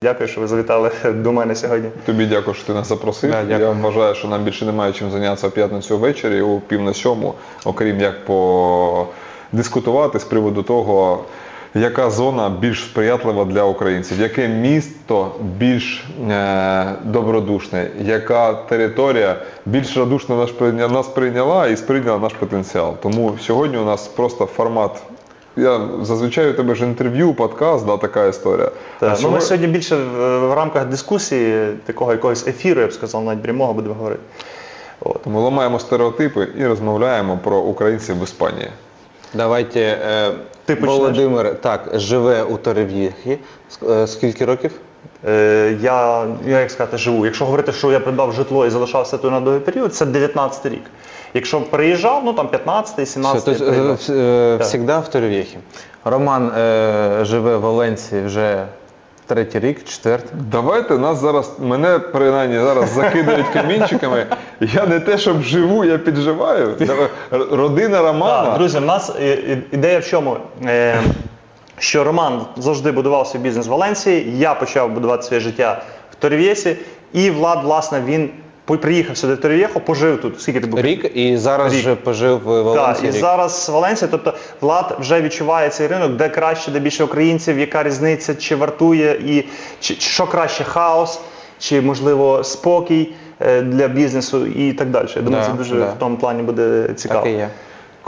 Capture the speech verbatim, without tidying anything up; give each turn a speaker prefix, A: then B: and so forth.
A: Дякую, що ви завітали до мене сьогодні.
B: Тобі дякую, що ти нас запросив.
A: Да,
B: Я вважаю, що нам більше немає чим зайнятися в п'ятницю ввечері у пів на сьому, окрім як подискутувати з приводу того, яка зона більш сприятлива для українців, яке місто більш е, добродушне, яка територія більш радушно нас прийняла, нас прийняла і сприйняла наш потенціал. Тому сьогодні у нас просто формат. Я зазвичай у тебе ж інтерв'ю, подкаст, да, така історія.
A: Так,
B: А
A: ну, ми сьогодні більше в, в рамках дискусії, такого якогось ефіру, я б сказав, навіть прямого будемо говорити. От.
B: Ми ламаємо стереотипи і розмовляємо про українців в Іспанії.
C: Давайте, е,
A: Ти почнеш.
C: Володимир, так, живе у Торрев'єхі. Ск- е, Скільки років?
A: Е, я, я, як сказати, живу. Якщо говорити, що я придбав житло і залишався тут на довгий період, це дев'ятнадцятий рік. Якщо приїжджав, ну там п'ятнадцятий,
C: Все,
A: сімнадцятий
C: то,
A: приїжджав.
C: есть, е,
A: Так.
C: всегда в Торрев'єхі. Роман е, живе в Валенції вже третій рік, четвертий.
B: Давайте нас зараз, мене принаймні зараз закидають камінчиками. Я не те, щоб живу, я підживаю. Родина Романа.
A: Так, друзі, в нас е, е, ідея в чому? Е, що Роман завжди будував свій бізнес в Валенції, я почав будувати своє життя в Торрев'єсі, і Влад, власне, він по- приїхав сюди в Торрев'єхо, пожив тут. Скільки ти був?
C: Рік і зараз
A: Рік.
C: вже пожив в
A: Так,
C: Валенції
A: і
C: рік.
A: зараз Валенція, тобто Влад вже відчуває цей ринок, де краще, де більше українців, яка різниця, чи вартує, і чи, чи що краще, хаос, чи можливо спокій е, для бізнесу і так далі. Я думаю,
C: Да,
A: це дуже
C: да.
A: в тому плані буде цікаво.
C: Так і є.